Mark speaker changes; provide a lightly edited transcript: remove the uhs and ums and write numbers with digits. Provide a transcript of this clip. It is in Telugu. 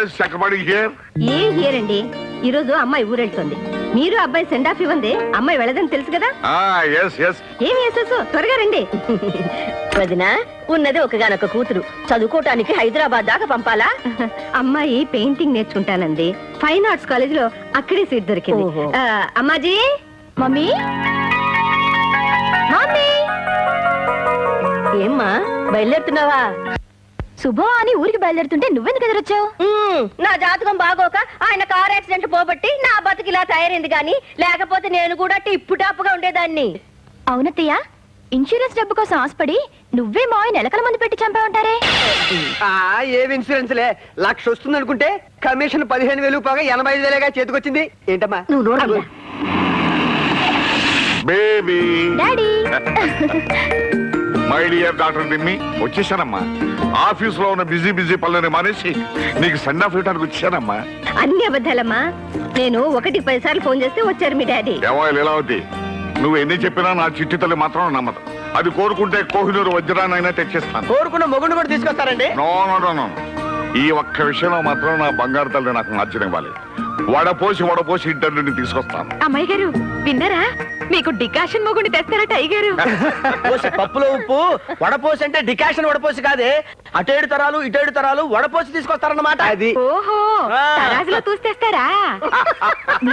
Speaker 1: Is Chakrapani here.
Speaker 2: ఏం హియరండి, ఈ రోజు అమ్మాయి ఊరెళ్తుంది. మీరు అబ్బాయి సెండ్ ఆఫ్ ఇవ్వండి, అమ్మాయి వెళ్ళదని తెలుసు కదా. ఏమి వేసేసు, త్వరగా రండి.
Speaker 3: వదిన, ఉన్నది ఒకగానొక కూతురు, చదువుకోటానికి హైదరాబాద్ దాకా పంపాలా?
Speaker 2: అమ్మాయి పెయింటింగ్ నేర్చుకుంటానంది, ఫైన్ ఆర్ట్స్ కాలేజ్ లో అక్కడే సీట్ దొరికింది. అమ్మాజీ.
Speaker 3: మమ్మీ, మమ్మీ, ఏమ్మా బయలుదేరుతున్నావా?
Speaker 2: శుభం అని ఊరికి బయలుదేరుతుంటే నువ్వెందుకు ఎదురొచ్చావు?
Speaker 3: నా జాతకం బాగోక ఆయన కార్ యాక్సిడెంట్ పోబట్టి నా బతుకు ఇలా తయారైంది గాని, లేకపోతే నేను కూడా టిప్పు టాప్గా ఉండేదాన్ని.
Speaker 2: అవునత్తయ్య, ఇన్సూరెన్స్ డబ్బు కోసం ఆశపడి నువ్వే మావి నెలకల మంది పెట్టి చంపావంటారే.
Speaker 4: ఏవి ఇన్సూరెన్స్ లే, 1,00,000 వస్తుంది అనుకుంటే కమిషన్ 15,000 పోగా 85,000గా చేతికొచ్చింది. ఏంటమ్మా
Speaker 3: నువ్వు
Speaker 1: baby.
Speaker 2: Daddy.
Speaker 1: My dear doctor Nimmi, వచ్చేసానమ్మా. ఆఫీస్ లో ఉన్న బిజీ పనులని మానేసి నీకు సెండ్ ఆఫ్ ఇవ్వడానికి వచ్చానమ్మా.
Speaker 2: అన్ని అబద్ధాలమ్మా, నేను 1కి 10 సార్లు ఫోన్ చేస్తే వచ్చారు మీ డాడీ.
Speaker 1: ఏవాళ్ళు ఎలా అవుతాయి, నువ్వు ఎన్ని చెప్పినా నా చిట్టి తల్లి మాత్రం నమ్మదు. అది కోరుకుంటే కోహినూరు వజ్రాన్నైనా తెచ్చేస్తాను.
Speaker 4: కోరుకున్న మొగుడు కూడా తీసుకొస్తారండి.
Speaker 1: నో నో నో నో, ఈ ఒక్క విషయంలో మాత్రం నా బంగారు తల్లి నాకు నచ్చనివ్వాలి. వడపోసి ఇంటర్వ్యూని తీసుకొస్తాను.
Speaker 2: అమ్మాయి గారు విన్నారా, మీకు డికాషన్ మొగుండి తెస్తారట అయ్యగారు.
Speaker 4: పప్పులో ఉప్పు వడపోసి అంటే డికాషన్ వడపోసి కాదే, అటేడు తరాలు ఇటేడు తరాలు వడపోసి తీసుకొస్తారన్నమాట. అది
Speaker 2: ఓహో, తరాజులో తూస్తేస్తారా?